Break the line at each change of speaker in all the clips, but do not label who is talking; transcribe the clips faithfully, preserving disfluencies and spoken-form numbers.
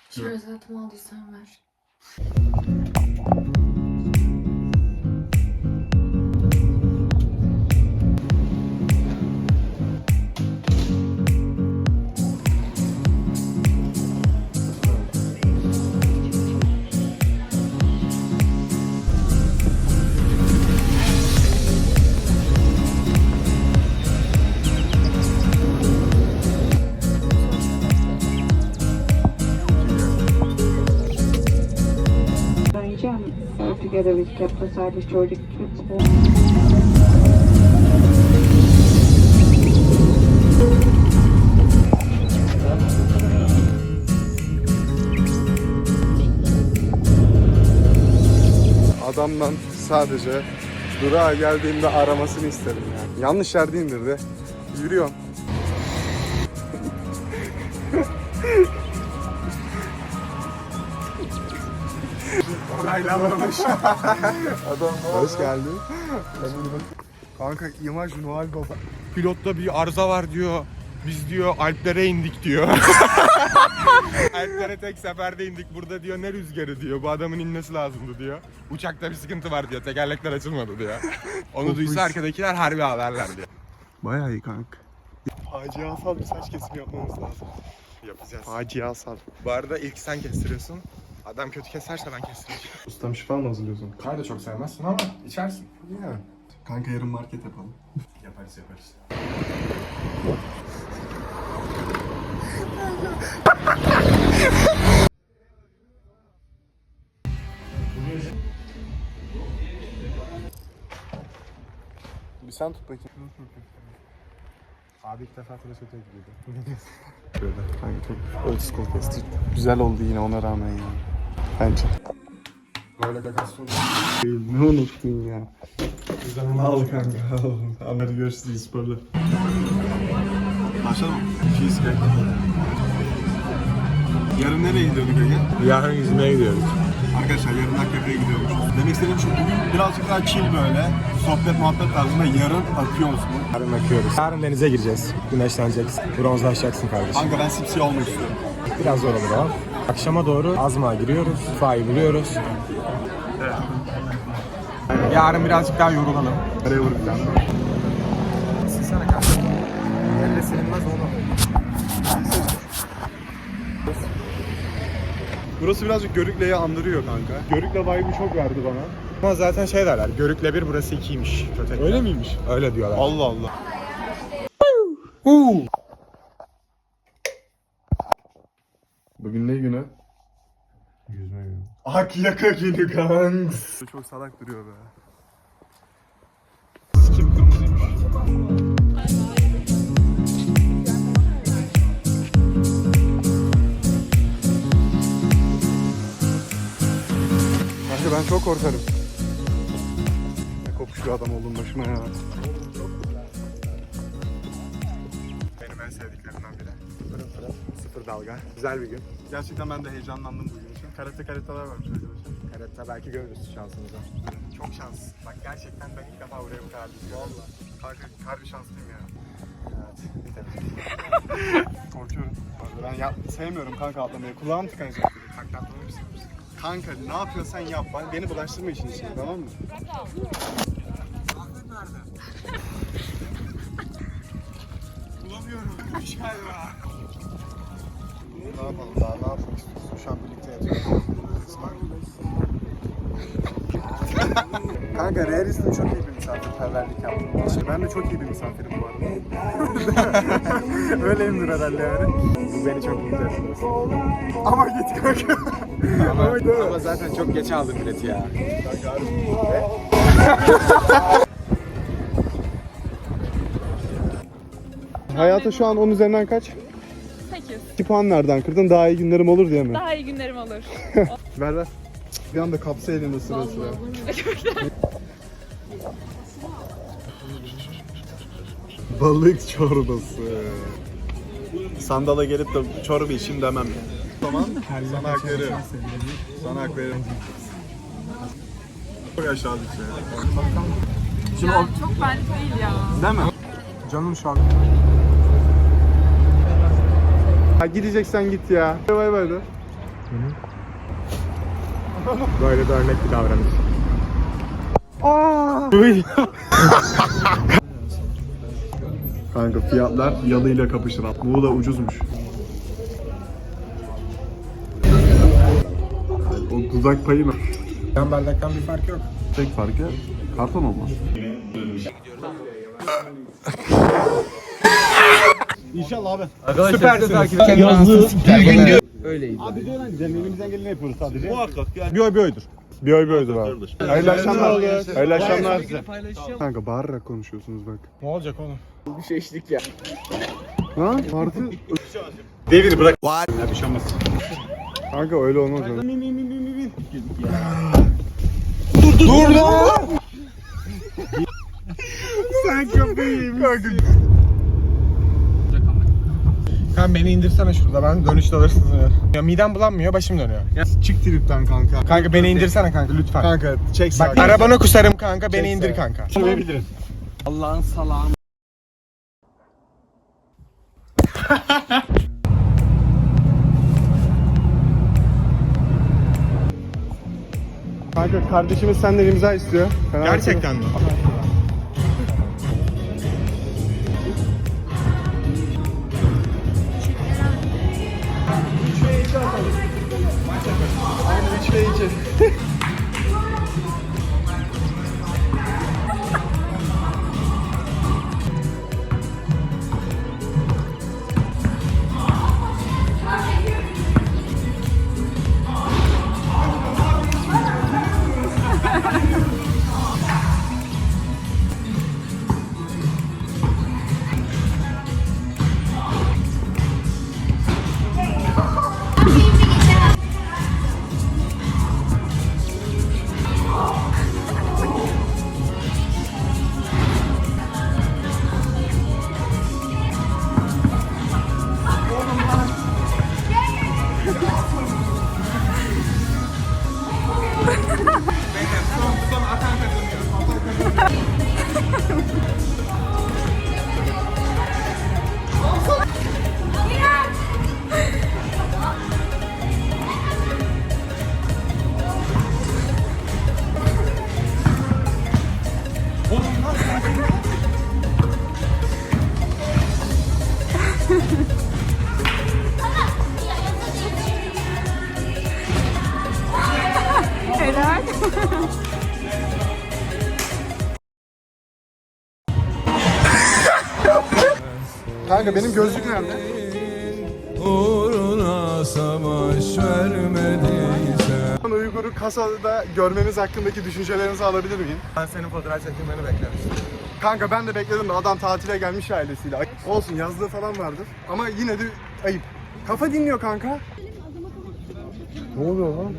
Şöyle zaten aldıysan ver.
So together we kept aside the Georgia principle.
Adamdan sadece durağa geldiğimde aramasını isterim yani. Yanlış yerde indirdi. Yürüyorum. Onaylamamış. Adam hoş geldin. Kanka imaj Noel Baba.
Pilotta bir arıza var diyor. Biz diyor Alplere indik diyor. Alplere tek seferde indik. Burada diyor ne rüzgarı diyor. Bu adamın inmesi lazımdı diyor. Uçakta bir sıkıntı var diyor. Tekerlekler açılmadı diyor. Onu duysa arkadakiler harbi haberler diyor.
Bayağı iyi kanka. Faciasal bir saç kesimi yapmamız lazım.
Yapacağız.
Faciasal.
Bu arada ilk sen kestiriyorsun. Adam kötü keserse ben kestireceğim.
Ustam şifa mı hazırlıyorsun?
Çay da çok sevmezsin ama içersin.
Ya. Kanka yarın market yapalım.
Yaparız yaparız.
Bir sen tut bakayım.
Abi ilk defa tıraş öteye gidiyordu.
Böyle kanka çok old school kesti. Güzel oldu yine ona rağmen ya. Bence.
Böyle gagasyon.
Ne unuttun ya? Al kanka al. Hadi görüşürüz sporla. Başladı mı? Cheesecake. Yarın nereye gidiyorduk Ege?
Yarın yüzmeye gidiyoruz.
Arkadaşlar yarın Akkefe'ye gidiyormuş. Demek istediğim şu, bugün birazcık daha chill böyle. Sohbet muhabbet tarzında, yarın akıyor musun?
Yarın akıyoruz. Yarın denize gireceğiz. Güneşleneceksin. Bronzlaşacaksın kardeşim.
Kanka ben sipsi olmak istiyorum.
Biraz zor olur o. Akşama doğru Azma'a giriyoruz. Fa'yı buluyoruz.
Evet.
Yarın birazcık daha yorulalım.
Nereye vuracağım?
Silsene kanka. Elle silinmez onu.
Burası birazcık Görükle'yi andırıyor kanka. Görükle vibe'ı çok verdi bana.
Ama zaten şey derler. Görükle bir burası ikiymiş. Kötekler.
Öyle miymiş?
Öyle diyorlar.
Allah Allah. Bugün ne günü?
Yüzme günü.
Akyaka günü kanks. Çok salak duruyor be. Sikim kırmızıymış. Kanka ben çok korkarım. Ne kopmuş bir adam oldum başıma ya.
Benim en sevdiklerimden biri. Fırın fırın. Sıfır dalga. Güzel bir gün.
Gerçekten ben de heyecanlandım bugün için. Karate karatalar varmış arkadaşlar.
Karette belki görürüz şansımızı. Çok şans. Bak gerçekten ben ilk defa buraya bu kadar düşüyorum. Valla.
Kanka harbi şanslıyım ya.
Evet. Bir tabii.
Korkuyorum. Ben yap sevmiyorum kanka atlamayı. Kulağım tıkanacak.
Takla atlamayı mı seviyorsun?
Kanka ne yapıyorsan yap. Beni bulaştırma işin içine, tamam mı?
Bulamıyorum. Düş galiba.
Ne yapalım daha ne yapmak istiyorsun? Şu an birlikte yatıyoruz. Kanka Realis'in çok iyi bir misafirperverlik yaptı. Şey, ben de çok iyi bir misafirim bu arada. Öyleyimdir herhalde yani.
Bu beni çok mutlu etti.
Ama git kanka.
Ama, ama zaten çok geç aldım bileti ya.
Hayata şu an on üzerinden kaç?
sekiz.
iki puan nereden kırdın? Daha iyi günlerim olur diye mi?
Daha iyi günlerim olur.
Ver ver. Bir anda kapsa elinde sıra sıra. Balık çorbası. Sandala gelip de çorba içeyim demem ya. Tamam. Sana hak veririm. Sana hak veririm. Çok aşağıdık şey. Şimdi
Ya çok benlik değil ya.
değil mi?
Canım şu an.
Ha, gideceksen git ya. Bay bay de.
Böyle de örnek bir davranış.
Kanka fiyatlar yalıyla kapışır. Muğla ucuzmuş. O dudak payı mı?
Yan bardaktan bir fark yok.
Tek farkı karton olma. İnşallah abi.
Süpersin.
Yazdığı bir gün diyor. Öyleydi.
Abi diyor lan elimizden geleni yapıyoruz sadece. Muhakkak yani. Bir oy bir oydur. Bir oy bir oydur abi. Hayırlı akşamlar. Hayırlı akşamlar. Kanka bağırarak konuşuyorsunuz bak.
Ne olacak oğlum?
Bir şey içtik ya.
Ha? Artı.
Devir bırak.
Ya bir şey olmaz. Kanka öyle olmaz öyle.
Dur dur lan! Sen kafayı yemişsin. Kanka beni indirsene şurada, ben dönüşte alırsınız ya. Ya midem bulanmıyor, başım dönüyor. Ya,
Çık tripten kanka.
kanka beni indirsene kanka lütfen.
Kanka çek
Bak
sağa.
arabana kusarım kanka, beni
Çek
indir
sağa.
kanka.
Söyleyebilirim.
Allah'ın salağın.
Kanka kardeşimiz senden imza istiyor. Fena
Gerçekten mi?
Aynen üç ve iki.
Helal.
Kanka benim gözlük nerede?
Uğruna savaş vermediyse.
Uygur'u kasada görmeniz hakkındaki düşüncelerinizi alabilir miyim?
Ben senin fotoğraf çekilmeni beklemiştim.
Kanka ben de bekledim de adam tatile gelmiş ailesiyle. Ay- Olsun yazlığı falan vardır ama yine de ayıp. Kafa dinliyor kanka. Ne oluyor lan?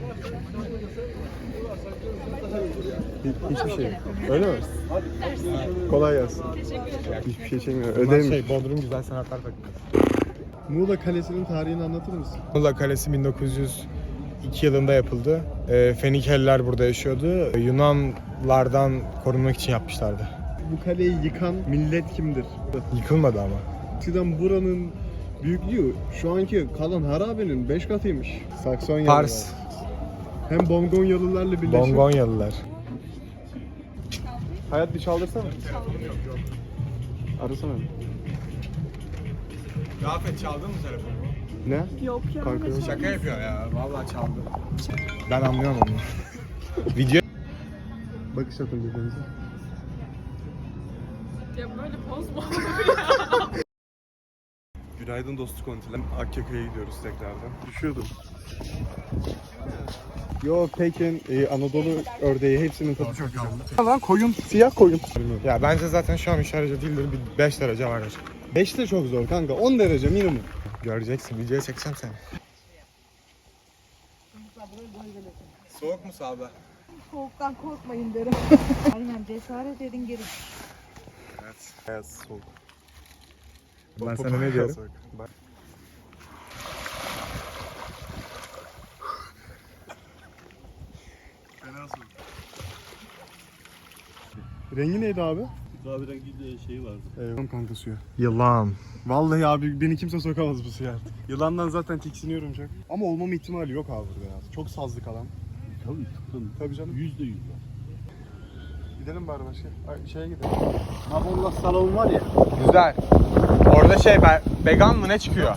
Hi- hiçbir şey yok. Öyle mi? Kolay gelsin. Hiçbir şey çekmiyor.
Bunlar
Ödeyim.
şey, Bodrum Güzel Sanatlar Fakültesi.
Muğla Kalesi'nin tarihini anlatır mısın?
Muğla Kalesi bin dokuz yüz iki yılında yapıldı. E, Fenikeliler burada yaşıyordu. Yunanlardan korunmak için yapmışlardı.
Bu kaleyi yıkan millet kimdir?
Yıkılmadı ama.
Eskiden buranın büyüklüğü şu anki kalan harabenin beş katıymış. Saksonyalılar.
Pars,
Hem Bongonyalılarla birleşip.
Bongonyalılar.
Hayat bir çaldırsana. Arasana.
Rafet çaldın mı telefonu?
Ne?
Yok ya.
Kanka.
Şaka yapıyor ya. Vallahi çaldı. Ben anlıyorum onu. Video
Bakış atın birbirinize.
Ya böyle poz mu?
Günaydın dostu kontilen. Akyaka'ya gidiyoruz tekrardan. Düşüyordum. Yo Pekin, e, Anadolu ördeği hepsinin tadı çok güzel. Lan koyun, siyah koyun.
ya bence zaten şu an üç derece değildir. Bir beş derece vardır.
beş de çok zor kanka. on derece minimum.
Göreceksin. Videoya çekeceğim seni. Soğuk mu sağda?
Soğuktan korkmayın derim. Aynen cesaret edin gelin.
Evet. Evet soğuk.
Ben sana ne diyorum?
Bak. Fena soğuk. Rengi neydi abi?
Kahverengi şey vardı.
Eyvallah kanka suya.
Yılan.
Vallahi abi beni kimse sokamaz bu suya artık. Yılandan zaten tiksiniyorum çok. Ama olmama ihtimali yok abi burada ya. Çok sazlık alan.
Tabii tıklım.
Tabii canım.
Yüzde yüz var.
Gidelim bari başka. Ay, şeye gidelim.
Mabolla salon var ya.
Güzel. Orada şey be, vegan mı ne çıkıyor?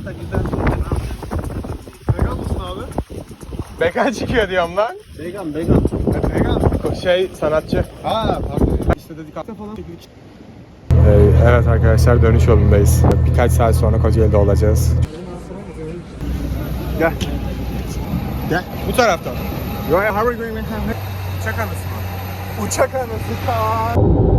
Vegan mısın abi?
Vegan çıkıyor diyorum lan.
Vegan vegan.
Vegan.
Şey sanatçı.
Ha pardon. İşte dedik hafta falan çekildik.
Ee, evet arkadaşlar dönüş yolundayız. Birkaç saat sonra Kocaeli'de olacağız.
Gel. Gel.
Bu taraftan.
Yo ya, how are we going?
Uçak anısı mı?
Uçak anası kal.